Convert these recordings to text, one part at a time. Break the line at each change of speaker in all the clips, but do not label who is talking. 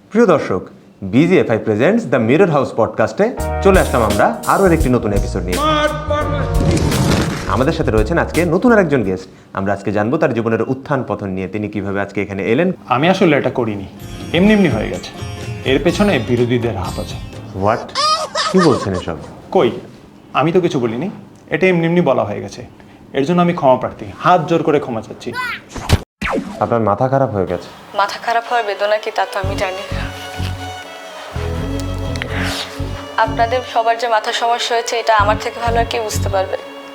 প্রিয় দর্শক, BGFI presents the mirror house পডকাস্টে চলে আসলাম আমরা আরও একটি নতুন এপিসোড নিয়ে। আমাদের সাথে রয়েছেন আজকে নতুন আরেকজন গেস্ট। আমরা আজকে জানবো তার জীবনের উত্থান পতন নিয়ে, তিনি কিভাবে আজকে এখানে এলেন।
আমি আসলে এটা করিনি, এমনি এমনি হয়ে গেছে। এর পেছনে বিরোধীদের হাত আছে।
হোয়াট? কি বলছেন এসব?
কই, আমি তো কিছু বলিনি, এটা এমনি এমনি বলা হয়ে গেছে। এর জন্য আমি ক্ষমা প্রার্থী, হাত জোর করে ক্ষমা চাচ্ছি।
আপনার মাথা খারাপ হয়ে গেছে?
মাথা খারাপ হওয়ার বেদনা কি তা তো আমি জানি না। আপনাদের সবার যে মাথা সমস্যা হয়েছে এটা আমার থেকে ভালো আর কেউ বুঝতে পারবে।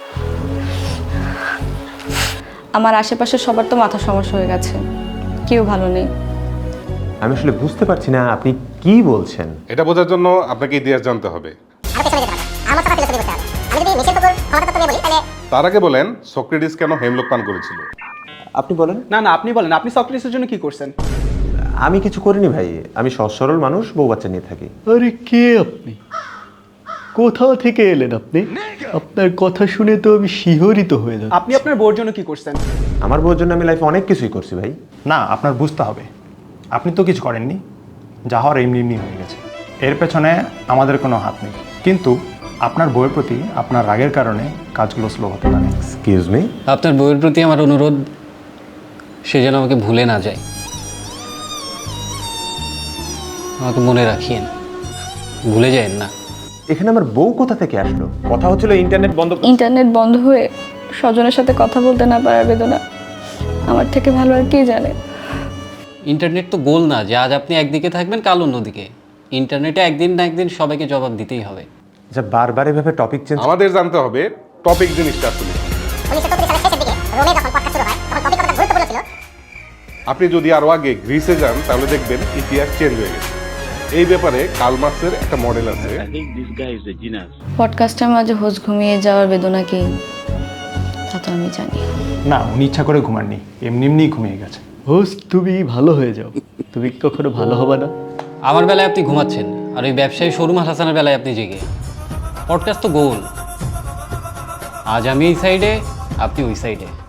আমার আশেপাশে সবার তো মাথা সমস্যা হয়ে গেছে, কেউ ভালো নেই।
আমি আসলে বুঝতে পারছি না আপনি কি বলছেন।
এটা বোঝার জন্য আপনাকে ইতিহাস জানতে হবে। তার আগে বলেন, সক্রেটিস কেন হেমলক পান করেছিল?
আপনি বলেন।
না আপনি বলেন, আপনি সক্রেটিসের জন্য কি করছেন?
আমি কিছু করিনি ভাই, আমি সহজ সরল মানুষ, বউ বাচ্চা নিয়ে থাকি।
আরে কে আপনি? কোথাও থেকে এলেন আপনি? আপনার কথা শুনে তো আমি শিহরিত হয়ে যাচ্ছি।
আপনি আপনার বউর জন্য কি করছেন?
আমার বউর জন্য আমি লাইফে অনেক কিছুই করছি ভাই।
না, আপনার বুঝতে হবে, আপনি তো কিছু করেননি, যা হওয়ার এমনি এমনি হয়ে গেছে। এর পেছনে আমাদের কোনো হাত নেই, কিন্তু আপনার বউয়ের প্রতি আপনার রাগের কারণে কাজগুলো স্লো হতে পারে।
Excuse me?
আপনার বউয়ের প্রতি আমার অনুরোধ, সে যেন আমাকে ভুলে না যায়। আমাকে মনে রাখিয়েন, ভুলে যায়েন না।
এখানে আমার বউ কোথা থেকে আসলো? কথা হচ্ছিল ইন্টারনেট বন্ধ।
ইন্টারনেট বন্ধ হয়ে স্বজনের সাথে কথা বলতে না পারার বেদনা আমার থেকে ভালো আর কে জানে।
ইন্টারনেট তো গোল না যে আজ আপনি একদিকে থাকবেন কাল অন্যদিকে। ইন্টারনেটে একদিন না একদিন সবাইকে জবাব দিতেই হবে।
আচ্ছা, বারবার এভাবে টপিক চেঞ্জ।
আমাদের জানতে হবে টপিক জিনিসটা আসলে। আপনি যদি আরো আগে গ্রিসে যান তাহলে দেখবেন ইতিহাস চেঞ্জ হয়ে গেছে। এই ব্যাপারে কার্ল মার্কসের একটা মডেল আছে।
পডকাস্টের মাঝে হোস ঘুমিয়ে যাওয়ার বেদনা কি তা তো আমি জানি।
না, উনি ইচ্ছা করে ঘুমাননি, এমনি এমনিই ঘুমিয়ে গেছে।
হোস্ট, তুমি ভালো হয়ে যাও, তুমি কখনো ভালো হবে না।
আমার বেলায় আপনি ঘুমাচ্ছেন, আর ওই ব্যবসায়ী শোরুম হাসানের বেলায় আপনি জেগে। পডকাস্ট তো গোল, আজ আমি এই সাইডে, আপনি ওই সাইডে।